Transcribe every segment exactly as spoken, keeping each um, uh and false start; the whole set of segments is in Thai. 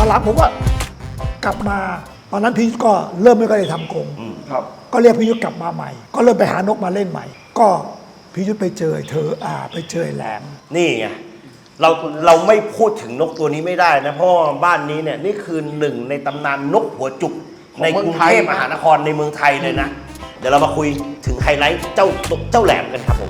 อนหลังผมก็กลับมาตอนนั้นพี่ยุทธก็เริ่มไม่ค่อยได้ทำกรงครับก็เรียกพี่ยุทธกลับมาใหม่ ก็เริ่มไปหานกมาเล่นใหม่ ก็พี่ยุทธไปเจอเธออ่าไปเจอแหลมนี่ไงเราเราไม่พูดถึงนกตัวนี้ไม่ได้นะเพราะบ้านนี้เนี่ยนี่คือหนึ่งในตำนานนกหัวจุกในกรุงเทพมหานครในเมืองไทยเลยนะเดี๋ยวเรามาคุยถึงไฮไลท์เจ้าเจ้าแหลมกันครับผม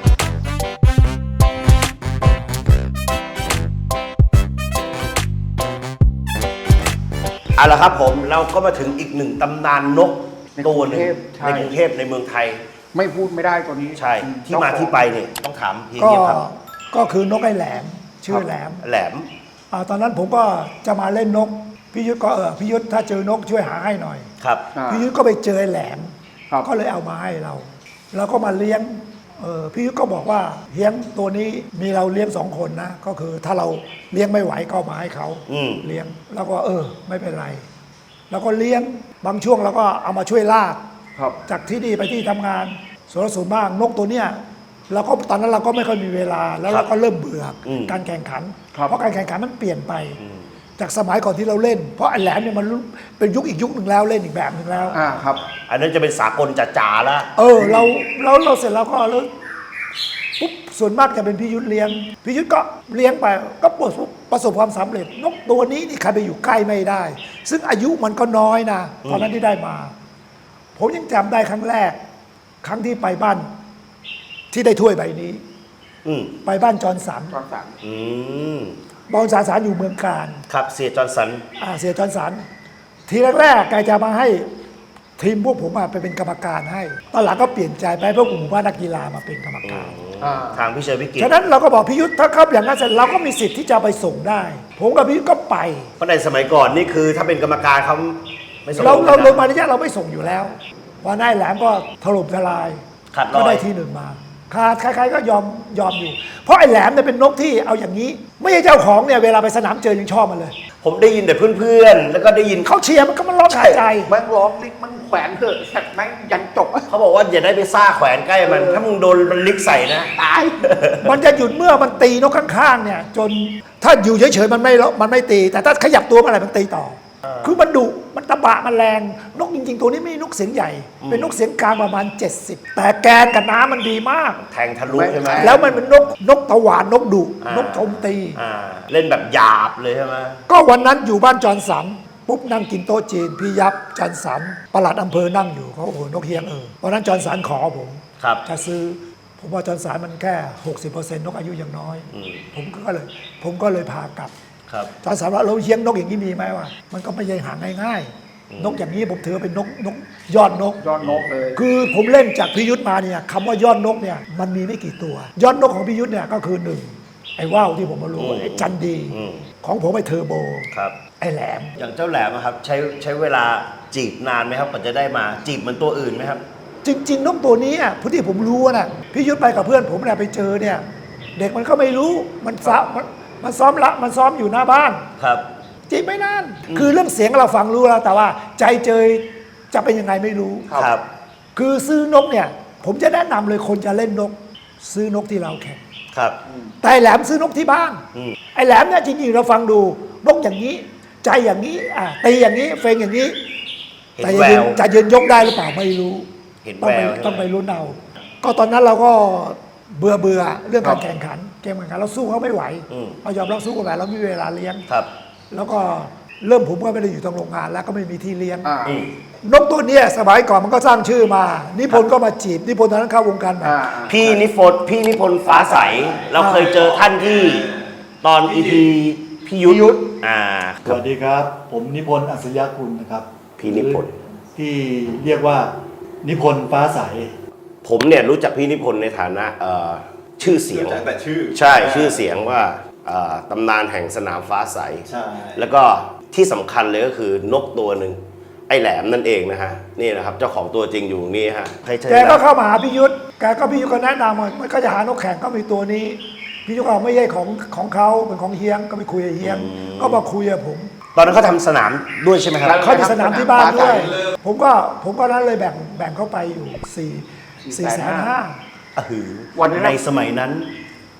เอาละครับผมเราก็มาถึงอีกหนึ่งตำนานนกตัวหนึ่งในกรุงเทพในเมืองไทยไม่พูดไม่ได้ตัวนี้ใช่ที่มาที่ไปเนี่ยต้องถามพี่ก็เงียบครับก็คือนกไอ้แหลมชื่อแหลมแหลมตอนนั้นผมก็จะมาเล่นนกพี่ยุทธก็เออพี่ยุทธถ้าเจอนกช่วยหาให้หน่อยครับพี่ยุทธก็ไปเจอแหลมก็เลยเอามาให้เราเราก็มาเลี้ยงเออพี่ยุทธก็บอกว่าเลี้ยงตัวนี้มีเราเลี้ยงสองคนนะก็คือถ้าเราเลี้ยงไม่ไหวก็มาให้เขาเลี้ยงแล้วก็เออไม่เป็นไรแล้วก็เลี้ยงบางช่วงเราก็เอามาช่วยลากจากที่นี่ไปที่ทำงานส่วนสูงมากนกตัวเนี้ยเราก็ตอนนั้นเราก็ไม่ค่อยมีเวลาแล้วเราก็เริ่มเบื่อการแข่งขันเพราะการแข่งขันมันเปลี่ยนไปจากสมัยก่อนที่เราเล่นเพราะไอ้แหลมเนี่ยมันเป็นยุคอีกยุคหนึ่งแล้วเล่นอีกแบบหนึ่งแล้วอ่าครับอันนั้นจะเป็นสากลจ๋าๆแล้วเออเราเราเราเสร็จแล้วก็แล้วปุ๊บส่วนมากจะเป็นพี่ยุทธเลี้ยงพี่ยุทธก็เลี้ยงไปก็ประสบประสบความสำเร็จนกตัวนี้นี่ใครไปอยู่ใกล้ไม่ได้ ซึ่งอายุมันก็น้อยนะตอนนั้นที่ได้มาผมยังจำได้ครั้งแรกครั้งที่ไปบ้านที่ได้ถ้วยใบนี้ไปบ้านจอร์นสันจอร์นสันบอลสาสารอยู่เมืองการครับเสียจอร์นสันอ่าเสียจอร์นสันทีแรกๆแกจะมาให้ทีมพวกผมไปเป็นกรรมการให้ตอนหลังก็เปลี่ยนใจไปเพราะกลุ่มว่านักกีฬามาเป็นกรรมการทางพี่เชยวิกิตฉะนั้นเราก็บอกพิยุทธ์ถ้าครับอย่างนั้นเสร็จเราก็มีสิทธิ์ที่จะไปส่งได้ผมกับพิยุทธ์ก็ไปเพราะในสมัยก่อนนี่คือถ้าเป็นกรรมการเขาไม่ส่งเราเราลงมาระยะเราไม่ส่งอยู่แล้ววันนั้นแหลมก็ถล่มทลายก็ได้ที่หนึ่งมาขาดใครๆก็ยอมยอมอยู่เพราะไอ้แหลมเนี่ยเป็นนกที่เอาอย่างนี้ไม่ใช่เจ้าของเนี่ยเวลาไปสนามเจอยังชอบมันเลยผมได้ยินแต่เพื่อนๆแล้วก็ได้ยินเขาเชียร์มันก็มันร้องหายใจมันร้องลิกมันแขวนเถอะแสบแม่งยันจบเขาบอกว่าอย่าได้ไปซ่าแขวนใกล้มันถ้ามึงโดนมันลิกใส่นะตายมันจะหยุดเมื่อมันตีนกข้างๆเนี่ยจนถ้าอยู่เฉยๆมันไม่มันไม่ตีแต่ถ้าขยับตัวเมื่อไหร่มันตีต่อคือมันดุมันตะบะมันแรงนกจริงๆตัวนี้ไม่นกเสียงใหญ่เป็นนกเสียงกลางประมาณเจ็ดสิบแต่แกนกับน้ำมันดีมากแทงทะลุใช่ไหมแล้วมันเป็นนกนกตะหวานนกดุนกโจมตีเล่นแบบหยาบเลยใช่ไหมก็วันนั้นอยู่บ้านจอร์นสันปุ๊บนั่งกินโต๊ะจีนพี่ยับจอร์นสันปลัดอำเภอนั่งอยู่เขาโอ้โหนกเฮียงเออวันนั้นจอร์นสันขอผมจะซื้อผมว่าจอร์นสันมันแค่ หกสิบเปอร์เซ็นต์ นกอายุยังน้อยผมก็เลยผมก็เลยพากลับจอร์นสันว่าเราเลี้ยงนกอย่างนี้มีไหมวะมันก็ไม่ใช่หาง่ายๆนกอย่างนี้ผมถือเป็นนกนกยอดนกยอดนกเลยคือผมเล่นจากพิยุทธมาเนี่ยคำว่ายอดนกเนี่ยมันมีไม่กี่ตัวยอดนกของพิยุทธเนี่ยก็คือหนึ่งไอ้ว่าวที่ผมมารู้ไอ้จันดีของผมไอ้เทอร์โบไอ้แหลมอย่างเจ้าแหลมครับใช้ใช้เวลาจีบนานไหมครับกว่าจะได้มาจีบเหมือนตัวอื่นไหมครับจริงๆนกตัวนี้อ่ะผู้ที่ผมรู้นะพิยุทธไปกับเพื่อนผมเนี่ยไปเจอเนี่ยเด็กมันก็ไม่รู้มันซ้อมมันซ้อมละมันซ้อมอยู่หน้าบ้านครับจีบไม่นานคือเรื่องเสียงเราฟังรู้แล้วแต่ว่าใจเจยจะเป็นยังไงไม่รู้ครับคือซื้อนกเนี่ยผมจะแนะนำเลยคนจะเล่นนกซื้อนกที่เราแข่งครับแต่แหลมซื้อนกที่บ้านไอ้แหลมเนี่ยจริงๆเราฟังดูนกอย่างนี้ใจอย่างนี้อ่ะตีอย่างนี้เฟงอย่างนี้แต่จะยืนจะยืนยกได้หรือเปล่าไม่รู้ต้องไปต้องไปลุ้นเอาก็ตอนนั้นเราก็เบื่อเบื่อเรื่องการแข่งขันเกมแข่งขันเราสู้เขาไม่ไหวเรายอมรับสู้กันไปเราไม่มีเวลาเลี้ยงแล้วก็เริ่มผมก็ไม่ได้อยู่ตรงโรงงานแล้วก็ไม่มีที่เลี้ยงนกตัวนี้สมัยก่อนมันก็สร้างชื่อมานิพนธ์ก็มาจีบนิพนธ์ตอนนั้นเข้าวงการมาพี่นิพนธ์พี่นิพนธ์ฟ้าใสเราเคยเจอท่านที่ตอนอีพีพี่ยุทธอ่าสวัสดีครับผมนิพนธ์อัศยกุลนะครับพี่นิพนธ์ที่เรียกว่านิพนธ์ฟ้าใสผมเนี่ยรู้จักพี่นิพนธ์ในฐานะชื่อเสียงแต่ชื่อใช่ชื่อเสียงว่าตำนานแห่งสนามฟ้าใสใช่แล้วก็ที่สำคัญเลยก็คือนกตัวหนึ่งไอ้แหลมนั่นเองนะฮะนี่นะครับเจ้าของตัวจริงอยู่นี่ฮะแกก็เข้ามาหาพี่ยุทธแกก็พี่ยุทธก็แนะนำว่ามันก็จะหานกแข่งก็มีตัวนี้พี่ยุทธก็ไม่ใช่ของของเขาเป็นของเฮียงก็ไปคุยกับเฮียงก็มาคุยกับผมตอนนั้นเขาทำสนามด้วยใช่ไหมครับเขามีสนามที่บ้านด้วยผมก็ผมก็นั้นเลยแบ่งแบ่งเข้าไปอยู่สี่สี่แสนห้าวันในสมัยนั้น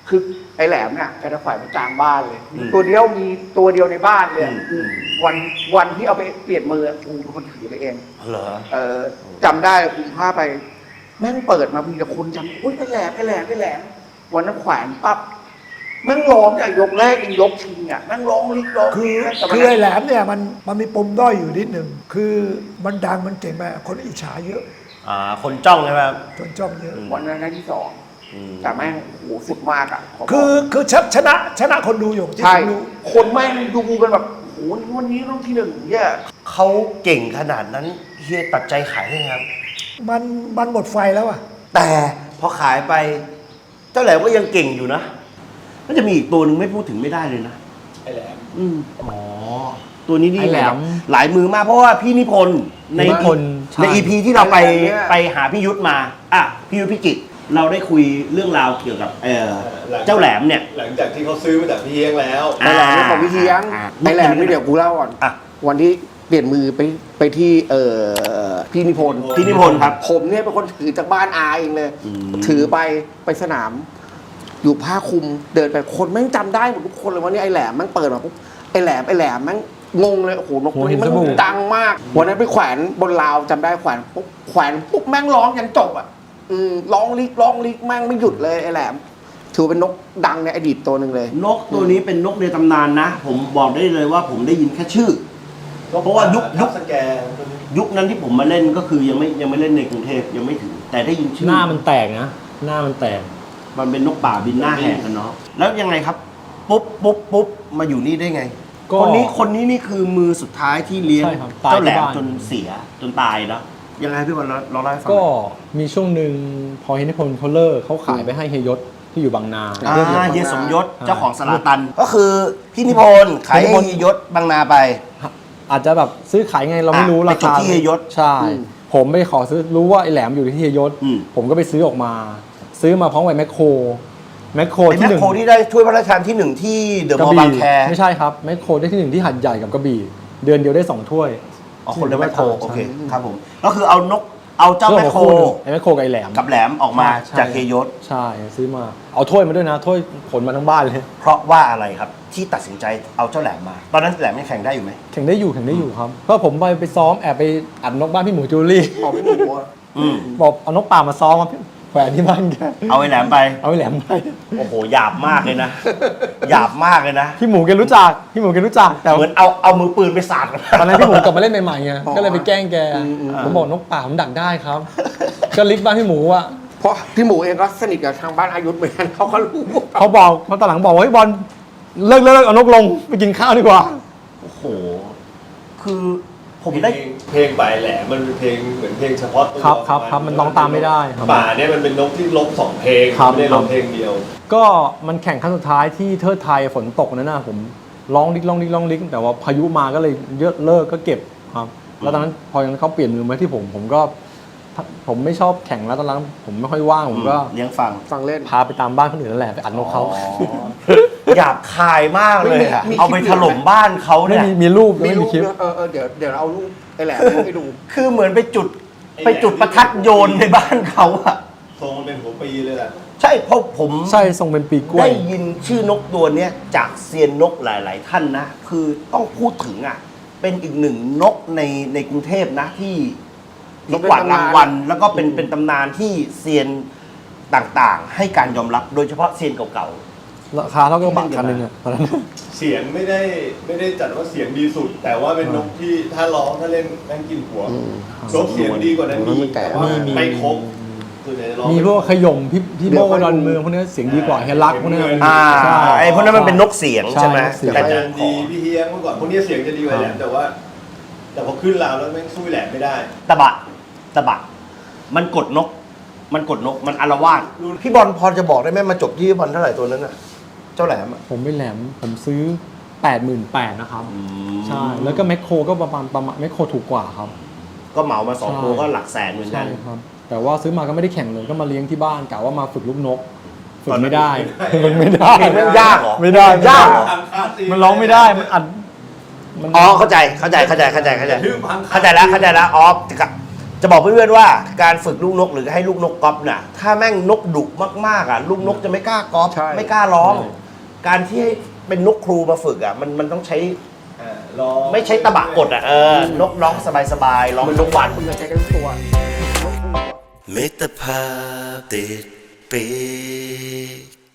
คือไอ้แหลมเนี่ยแกจะแขวนไว้กลางบ้านเลยอืมตัวเดียวมีตัวเดียวในบ้านเลยอืมวันวันที่เอาไปเปลี่ยนมือกูเป็นคนถือไปเองเหรอเออจำได้กูพาไป แม่งเปิดมามีแต่คนจำอุ้ยไอ้แหลมไอ้แหลมไอ้แหลมวันนั้นแขวนปั๊บแม่งร้องจากยกแรกยังยกชิงอ่ะแม่งร้องลิกร้องคือแต่วันคือนั้นไอ้แหลมเนี่ยมันมันมีปมด้อยอยู่นิดหนึ่งคือมันดังมันเก่งมากคนอิจฉาเยอะอ่าคนจ้องใช่ไหมครับจนจ้องเยอะวันนั้นได้ที่สองอืมแต่แม่งโอ้โหสุดมากอ่ะขบกคือคือชชนะชนะคนดูอยู่ที่ใช่ผมดูคนแม่งดูกันแบบโอ้โหวันนี้ต้องที่หนึ่งเนี่ยเขาเก่งขนาดนั้นเฮียตัดใจขายได้ไงครับมันมันหมดไฟแล้วอ่ะแต่พอขายไป เจ้าแหลมก็ยังเก่งอยู่นะก็จะมีอีกตัวหนึ่งไม่พูดถึงไม่ได้เลยนะไอ้แหลมอืมอ๋อ ตัวนี้นี่ไอ้แหลมหลายมือมาก เพราะว่าพี่นิพนธ์ในนิพนธ์ใช่ในอีพีที่เราไปไปหาพี่ยุทธมา อ่ะ พี่ยุทธพิจิตรเราได้คุยเรื่องราวเกี่ยวกับเออเจ้าแหลมเนี่ยหลังจากที่เขาซื้อมาจากพี่เฮียงแล้วไอ้แหลมนี่ของพี่เทียงอ่าไอ้แหลมนี่เดี๋ยวกูเล่าก่อนอ่ะวันที่เปลี่ยนมือไปไปที่เอ่อพี่นิพนธ์พี่นิพนธ์ครับผมเนี่ยเป็นคนถือจากบ้านอาเองเลยอืมถือไปไปสนาม อยู่ผ้าคลุมเดินไปคนแม่งจำได้หมดทุกคนเลยว่านี่ไอ้แหลมแม่งเปิดมาปุ๊บไอ้แหลมไอ้แหลมแม่งงงเลยโอ้โหนกตัวนี้หัวหินมันจมูกดังมาก วันนั้นไปแขวนบนราวจำได้แขวนปุ๊บแขวนปุ๊บแม่งร้องยันจบอ่ะอืมร้องลิกร้องลิกแม่งไม่หยุดเลยไอ้แหลม ถือเป็นนกดังในอดีตตัวหนึ่งเลยนกตัวนี้เป็นนกในตำนานนะ ผมบอกได้เลยว่าผมได้ยินแค่ชื่อ เพราะว่ายุคยุคสแกนยุคนั้นที่ผมมาเล่นก็คือยังไม่ยังไม่เล่นในกรุงเทพยังไม่ถึง แต่ได้ยินชื่อหน้ามันแตกนะ หน้ามันแตกมันเป็นนกป่าบินหน้าแหกกันเนาะแล้วยังไงครับ ปุ๊บปุ๊บปุ๊บมาอยู่นี่ได้ไงก็คนนี้คนนี้นี่คือมือสุดท้ายที่เลี้ยงใช่ครับตายเจ้าแหลมที่บ้านจนเสียจนตายเนาะยังไงพี่วันเราเราเล่าให้ฟังก็หน่อยมีช่วงหนึ่งพอเฮนิพนธ์เขาเลิกเขาขายไปให้เฮยศที่อยู่บางนาอ่าเฮียสมยศอ่าเจ้าของสลาตัน ก็คือพี่นิพนธ์ขายพี่นิให้พนธ์เฮียยศบางนาไปอาจจะแบบซื้อขายไงเราไม่รู้อ่ะราไปจบคาที่เฮยศใช่อืมผมไปขอซื้อรู้ว่าไอ้แหลมอยู่ที่เฮยศอืมผมก็ไปซื้อออกมา ซื้อมาพร้อมกับแมคโครแมคโครไอ้ที่แมหคนึ่งโครที่ได้ถ้วยพระราชทานที่หนึ่งที่เดอะกระมอลล์บี่บางแคไม่ใช่ครับแมคโครได้ที่หนึ่งที่หัดใหญ่กับกระบี่ เดือนเดียวได้สองถ้วยอ๋อคนละแมคโครโอเคใช่ครับผมก็คือเอานกเอาเจ้าแมคโครไอ้แมคโครกับไอ้แหลมกับแหลมออกมาใช่จากเฮยศใช่ซื้อมาเอาถ้วยมาด้วยนะถ้วยขนมาทั้งบ้านเลยเพราะว่าอะไรครับที่ตัดสินใจเอาเจ้าแหลมมา ตอนนั้นแหลมยังแข่งได้อยู่ไหมแข่งได้อยู่แข่งได้อยู่ครับก็ผมไปไปซ้อมแอบไปอัดนกบ้านพี่หมูจูลี่บอกไม่ถูกว่าอืมบอกเอานกป่ามาซ้อมมาแขวนที่บ้านแกเอาไอ้แหลมไปเอาไอ้แหลมไปโอ้โหหยาบมากเลยนะ หยาบมากเลยนะพี่หมูแกรู้จักพี่หมูแกรู้จักแต่เหมือนเอาเอามือปืนไปสาดกันตอนนั้นพี่หมูกลับมาเล่นใหม่ๆไงก็เลยไปแกล้งแกผมบอกนกป่าผมดักได้ครับ ก็ลิกบ้านพี่หมูอ่ะเพราะพี่หมูเองก็สนิทกับทางบ้านอายุธเหมือนกันเขาก็รู้เขาบอกเขาตอนหลังบอกว่าเฮ้ยบอลเลิกเลิกเลิกเอานกลงไปกินข้าวดีกว่าโอ้โห คือผมได้เพลงเพลงบ่ายแหลมมันเป็นเพลงเหมือนเพลงเฉพาะตัวครับครับครับมันร้องตามไม่ได้ครับป่าเนี่ยมันเป็นนกที่ลบสองเพลงครับไม่ได้คลรับบเพลงเดียวก็มันแข่งครั้งสุดท้ายที่เทิดไทยฝนตกนั่นน่ะผมร้องลิกร้องลิกร้องลิกแต่ว่าพายุมาก็เลยเยอะเลิกก็เก็บครับ แล้วตอนนั้นพอเขาเปลี่ยนมือมาที่ผมผมก็ ผมไม่ชอบแข่งแล้วตอนนั้นผมไม่ค่อยว่างผมก็เลี้ยงฟังฟังเล่นพาไปตามบ้านคนอื่นนั่นแหละไปอัดนกเขาอ๋อหยาบคายมากเลยอะมีมีเอาไปคลิปถล่มบ้านเขาไม่เนี่ยมีมีรูปมีไม่รูมีปคลิปด้วยเออเออเดี๋ยวเดี๋ยวเอารูปไอ้แหลมให้ดูคือเหมือนไปจุดไปจุดประทัดโยนในบ้านเขาอะทรงมันเป็นหัวปีเลยแหละใช่เพราะผมใช่ทรงเป็นปีกล้วยได้ยินชื่อนกตัวเนี้ยจากเซียนนกหลาย ๆ ท่านนะ คือต้องพูดถึงอ่ะ เป็นอีกหนึ่งนกในในกรุงเทพนะที่ที่กวาดรางวัลแล้วก็เป็นเป็นตำนานที่เซียนต่างๆ ให้การยอมรับโดยเฉพาะเซียนเก่าราคาเท่ากับบัตรคันหนึ่งอะตอนนั้นเสียงไม่ได้ไม่ได้จัดว่าเสียงดีสุด แต่ว่าเป็นนกที่ถ้าร้องถ้าเล่นแม่งกินหัวนกเสียงดีกว่านั้นมีแต่ว่ามีไม่ครบส่วนใหญ่จะร้องมีพวกขยมพี่พี่โบดอนเมืองพวกนี้เสียงดีกว่าเฮลักพวกนี้ๆ อ่าใช่ไอ้พวกนั้นมันเป็นนกเสียงใช่ไหมใช่นกเสียงแต่อาจารย์ดีพี่เฮียงเมื่อก่อนพวกนี้เสียงจะดีกว่าแหลมแต่ว่า แต่พอขึ้นราวแล้วแม่งสู้แหลมไม่ได้ตะบะตะบะมันกดนก มันกดนกมันอารวาสพี่บอลพอจะบอกได้ไหมมาจบที่บอลเท่าไหร่ตัวนั้นน่ะเจ้าแหลมอะผมไม่แหลมผมซื้อ แปดหมื่นแปดพัน นะครับ ใช่ แล้วก็แมคโครก็ประมาณประมาณแมคโครถูกกว่าครับก็เหมามาสองใช่ตัวก็หลักแสนเหมือนกัใช่นครับ แต่ว่าซื้อมาก็ไม่ได้แข่งเลยก็มาเลี้ยงที่บ้านกะว่ามาฝึกลูกนก ฝึกตอนนั้นไม่ได้ไม่มันได้ไม่ได้เพลงมันยากเหรอไม่ได้ยากเหรอมันร้องไม่ได้มันอัดมันอ๋อเข้าใจเข้าใจเข้าใจเข้าใจเข้าใจลืมพังเข้าใจแล้วเข้าใจแล้วอ๋อจะกะจะบอกเพื่อนๆว่าการฝึกลูกนกหรือให้ลูกนกก๊อปน่ะถ้าแม่งนกดุมากๆอ่ะลูกนกจะไม่กล้าก๊อปใช่ไม่กล้าร้องใช่การที่ให้เป็นนกครูมาฝึกอ่ะมันมันต้องใช้อ่าร้องไม่ใช้ตะบะกดอ่ะเออนกร้องสบายๆร้องทุกวันคุณจะใช้กันตัวมิตรภาพติดปีก